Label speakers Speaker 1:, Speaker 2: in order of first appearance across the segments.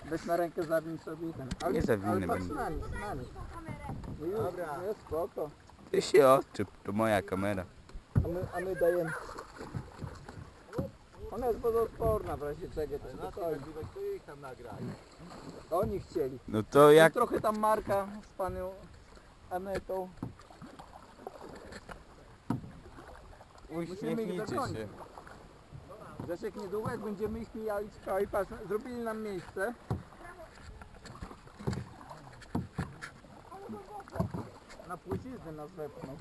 Speaker 1: Weź na rękę, zawiń sobie i ten.
Speaker 2: Nie zawinę
Speaker 1: ale patrz
Speaker 2: będę.
Speaker 1: na nich, na nich. No już, jest spoko.
Speaker 2: Ty się odczep, to moja kamera.
Speaker 1: A my dajemy. Ona jest wodoodporna w razie czego, to spokojnie. Oni chcieli.
Speaker 2: No to jak...
Speaker 1: Trochę tam Marka z panią Anetą. Musimy ich
Speaker 2: Uśmiechnijcie
Speaker 1: dogonić.
Speaker 2: się.
Speaker 1: Zresztą niedługo jak będziemy ich mijali z kraju, patrz, zrobili nam miejsce. Na płcizny nas wepną.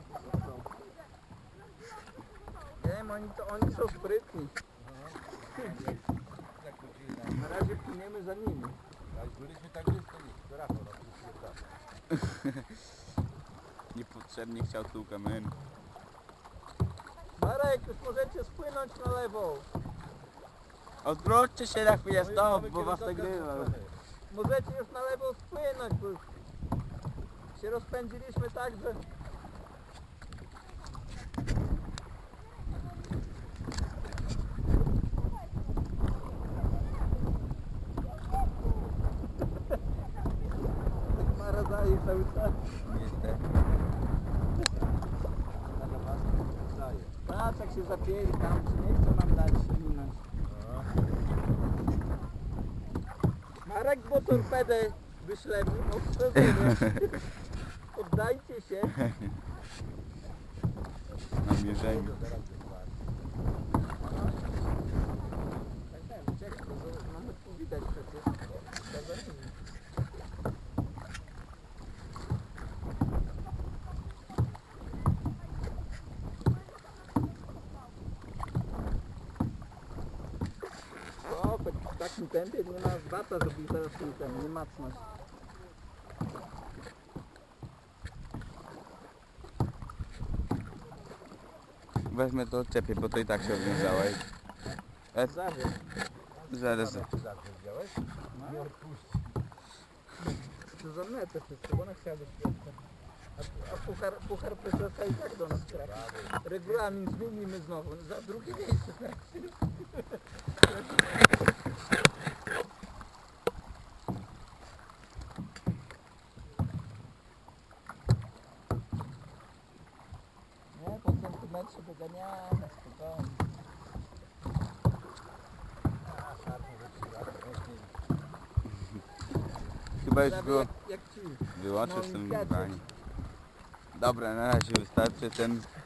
Speaker 1: Wiem, oni są sprytni. Na razie płyniemy za nimi.
Speaker 3: Byliśmy tak blisko nich, to Rafał nas
Speaker 2: Niepotrzebnie chciał tu kamerę.
Speaker 1: Marek, już możecie spłynąć na lewo.
Speaker 2: Odwróćcie się na chwilę stąd, bo was nagrywa.
Speaker 1: Możecie już na lewo spłynąć, bo już się rozpędziliśmy tak, że... Mara daje cały czas.
Speaker 2: Niestety.
Speaker 1: Patrz jak się zapięli tam, czy nie chcą nam dać się minąć. Marek, bo torpedę wyślemy, ostrzeżenie. Oddajcie się.
Speaker 2: Na mierzeniu.
Speaker 1: Czekaj, to mamy tu widać przecież. O, w takim tempie nie ma bata, żeby ich zaraz ten, nie macnąć.
Speaker 2: Wezmę to odczepię, bo to i tak się odwiązałeś.
Speaker 1: Zawiesz.
Speaker 2: Zaraz.
Speaker 3: widziałeś? Nie odpuści.
Speaker 1: To za metę wszystko, bo ona chciała być pierwsza. A puchar prezesa i tak do nas trafi. Regulamin zmienimy znowu, za drugie miejsce trafi. Nie, po centymetrze doganiamy, spokojnie.
Speaker 2: Chyba już
Speaker 1: Prawie
Speaker 2: było...
Speaker 1: jak ci.
Speaker 2: Wyłączę
Speaker 1: No,
Speaker 2: z tym
Speaker 1: gacie.
Speaker 2: nagrywanie. Dobra, na razie wystarczy ten